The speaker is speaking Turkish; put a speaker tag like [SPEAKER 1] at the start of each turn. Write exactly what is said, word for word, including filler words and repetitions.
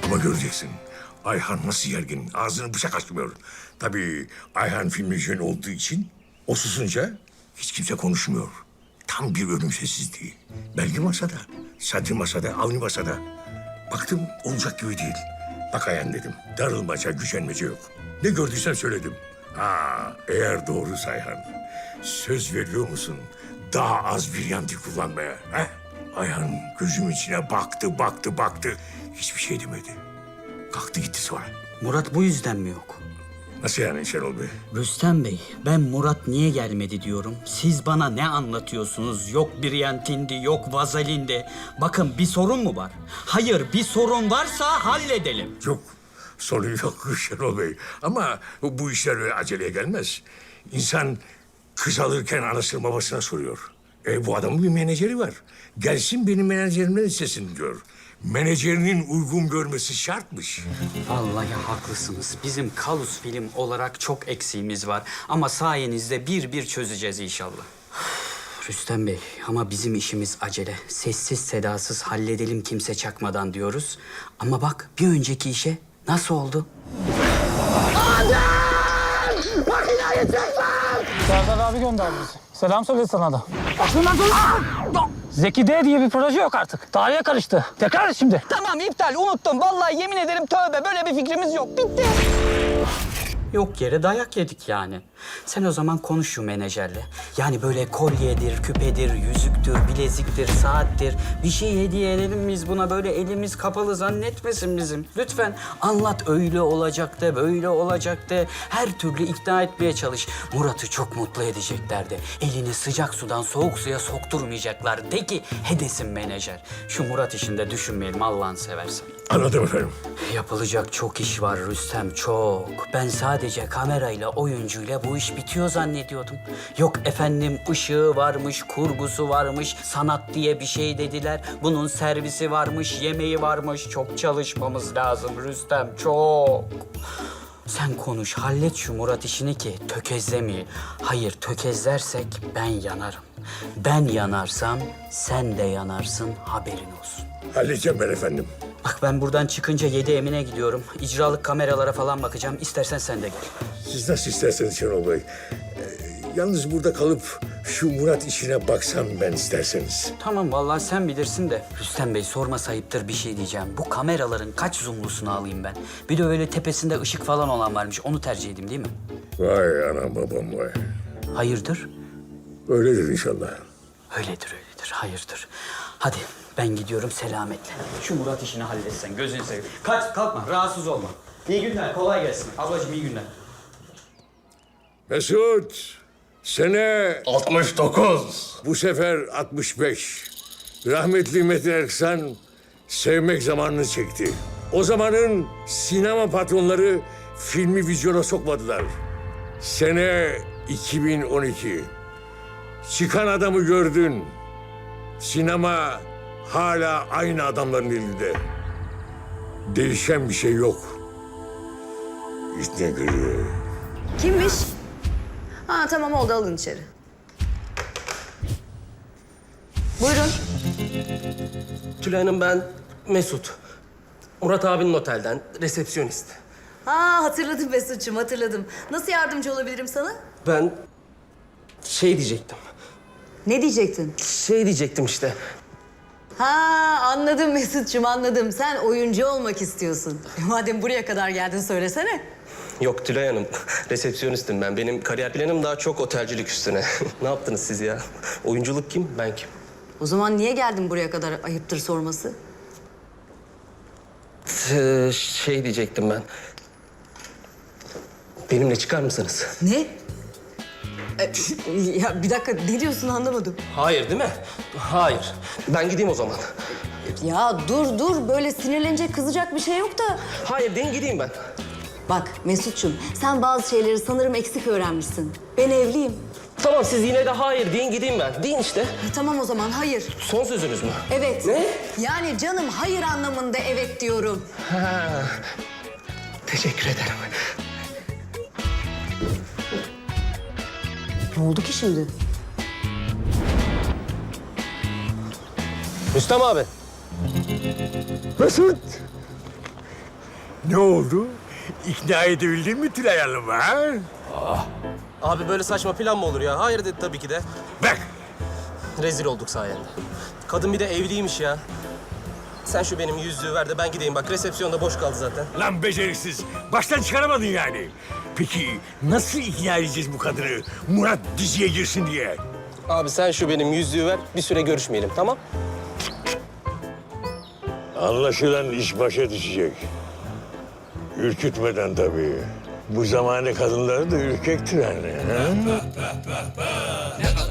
[SPEAKER 1] Ama göreceksin. Ayhan nasıl gergin, ağzını bıçak açmıyor. Tabii Ayhan filmin jönü olduğu için o susunca hiç kimse konuşmuyor. Tam bir ölüm sessizliği. Belgi masada, Sadri masada, Avni masada. Baktım olacak gibi değil. Bak Ayhan dedim, darılmaca, gücenmece yok. Ne gördüysem söyledim. Ha, eğer doğruysa Ayhan, söz veriyor musun daha az bir yandı kullanmaya? He? Ayhan gözümün içine baktı, baktı, baktı. Hiçbir şey demedi. Kalktı gitti sonra.
[SPEAKER 2] Murat bu yüzden mi yok?
[SPEAKER 1] Nasıl yani Şenol Bey?
[SPEAKER 2] Rüstem Bey, ben Murat niye gelmedi diyorum. Siz bana ne anlatıyorsunuz? Yok Briantindi, yok Vazelindi. Bakın bir sorun mu var? Hayır, bir sorun varsa halledelim.
[SPEAKER 1] Yok, sorun yok Şenol Bey. Ama bu işler öyle aceleye gelmez. İnsan kız alırken anasını babasına soruyor. E bu adamın bir menajeri var. Gelsin benim menajerimden istesin diyor. Menajerinin uygun görmesi şartmış.
[SPEAKER 2] Vallahi haklısınız. Bizim Kalus film olarak çok eksiğimiz var. Ama sayenizde bir bir çözeceğiz inşallah. Rüstem Bey, ama bizim işimiz acele. Sessiz sedasız halledelim kimse çakmadan diyoruz. Ama bak bir önceki işe nasıl oldu?
[SPEAKER 3] Serdar abi gönderdi bizi. Selam söyle sana da. Aklından dur! Zeki D diye bir proje yok artık. Tarihe karıştı. Tekrar et şimdi.
[SPEAKER 4] Tamam iptal unuttum. Vallahi yemin ederim tövbe böyle bir fikrimiz yok. Bitti.
[SPEAKER 2] Yok yere dayak yedik yani. Sen o zaman konuş şu menajerle. Yani böyle kolyedir, küpedir, yüzüktür, bileziktir, saattir. Bir şey hediye edelim biz buna, böyle elimiz kapalı zannetmesin bizim. Lütfen anlat, öyle olacak de, böyle olacak de. Her türlü ikna etmeye çalış. Murat'ı çok mutlu edecekler de. Elini sıcak sudan soğuk suya sokturmayacaklar. De ki hedesin menajer. Şu Murat işinde düşünmeyelim Allah'ını seversen.
[SPEAKER 1] Anladım efendim.
[SPEAKER 2] Yapılacak çok iş var Rüstem, çok. Ben sadece kamerayla, oyuncuyla bu iş bitiyor zannediyordum. Yok efendim ışığı varmış, kurgusu varmış, sanat diye bir şey dediler. Bunun servisi varmış, yemeği varmış. Çok çalışmamız lazım Rüstem, çok. Sen konuş, hallet şu Murat işini ki tökezlemeyin. Hayır, tökezlersek ben yanarım. Ben yanarsam sen de yanarsın, haberin olsun.
[SPEAKER 1] Halledeceğim ben efendim.
[SPEAKER 2] Bak ben buradan çıkınca yedi Emine gidiyorum. İcralık kameralara falan bakacağım. İstersen sen de gel.
[SPEAKER 1] Siz nasıl isterseniz Şenol Bey. Ee, yalnız burada kalıp şu Murat işine baksam ben isterseniz.
[SPEAKER 2] Tamam vallahi sen bilirsin de. Rüstem Bey sorma sayıptır bir şey diyeceğim. Bu kameraların kaç zoomlusunu alayım ben? Bir de öyle tepesinde ışık falan olan varmış. Onu tercih edeyim değil mi?
[SPEAKER 1] Vay anam babam vay.
[SPEAKER 2] Hayırdır?
[SPEAKER 1] Öyledir inşallah.
[SPEAKER 2] Öyledir öyledir. Hayırdır. Hadi ben gidiyorum selametle. Şu Murat işini halletsen gözünü seveyim. Kaç kalkma rahatsız olma. İyi günler kolay gelsin. Ablacığım iyi günler.
[SPEAKER 1] Mesut, sene
[SPEAKER 5] altmış dokuz.
[SPEAKER 1] bu sefer altmış beş. Rahmetli Metin Erksan sevmek zamanını çekti. O zamanın sinema patronları filmi vizyona sokmadılar. Sene iki bin on iki. Çıkan adamı gördün. Sinema hala aynı adamların elinde. Değişen bir şey yok. İşte görüyor.
[SPEAKER 6] Kimmiş? Ha tamam oldu alın içeri. Buyurun.
[SPEAKER 7] Tülay Hanım ben Mesut. Murat abinin otelden resepsiyonist.
[SPEAKER 6] Ha hatırladım Mesut'cum hatırladım. Nasıl yardımcı olabilirim sana?
[SPEAKER 7] Ben şey diyecektim.
[SPEAKER 6] Ne diyecektin?
[SPEAKER 7] Şey diyecektim işte.
[SPEAKER 6] Ha anladım Mesut'cum anladım. Sen oyuncu olmak istiyorsun. E, madem buraya kadar geldin söylesene.
[SPEAKER 7] Yok Tülay Hanım, resepsiyonistim ben. Benim kariyer planım daha çok otelcilik üstüne. Ne yaptınız siz ya? Oyunculuk kim, ben kim?
[SPEAKER 6] O zaman niye geldin buraya kadar ayıptır sorması?
[SPEAKER 7] Ee, şey diyecektim ben. Benimle çıkar mısınız?
[SPEAKER 6] Ne? E, ya bir dakika ne diyorsun anlamadım.
[SPEAKER 7] Hayır değil mi? Hayır. Ben gideyim o zaman.
[SPEAKER 6] Ya dur dur böyle sinirlenecek kızacak bir şey yok da.
[SPEAKER 7] Hayır deyin gideyim ben.
[SPEAKER 6] Bak Mesut'cum sen bazı şeyleri sanırım eksik öğrenmişsin. Ben evliyim.
[SPEAKER 7] Tamam siz yine de hayır deyin gideyim ben. Deyin işte.
[SPEAKER 6] E, tamam o zaman hayır.
[SPEAKER 7] Son sözünüz mü?
[SPEAKER 6] Evet.
[SPEAKER 7] Ne?
[SPEAKER 6] Yani canım hayır anlamında evet diyorum.
[SPEAKER 7] Ha. Teşekkür ederim.
[SPEAKER 6] Ne oldu ki şimdi?
[SPEAKER 7] Rüstem abi.
[SPEAKER 1] Mesut! Ne oldu? İkna edebildin mi Tülay Hanım'ı ha?
[SPEAKER 7] Abi böyle saçma plan mı olur ya? Hayır dedi tabii ki de.
[SPEAKER 1] Bak,
[SPEAKER 7] Rezil olduk sayende. Kadın bir de evliymiş ya. Sen şu benim yüzüğü ver de ben gideyim. Bak resepsiyonda boş kaldı zaten.
[SPEAKER 1] lan beceriksiz. Baştan çıkaramadın yani. Peki nasıl ikna edeceğiz bu kadını Murat diziye girsin diye?
[SPEAKER 7] Abi sen şu benim yüzüğü ver. Bir süre görüşmeyelim, tamam?
[SPEAKER 1] Anlaşılan iş başa düşecek. Ürkütmeden tabii. Bu zamane kadınları da ürkektir hani. Ha?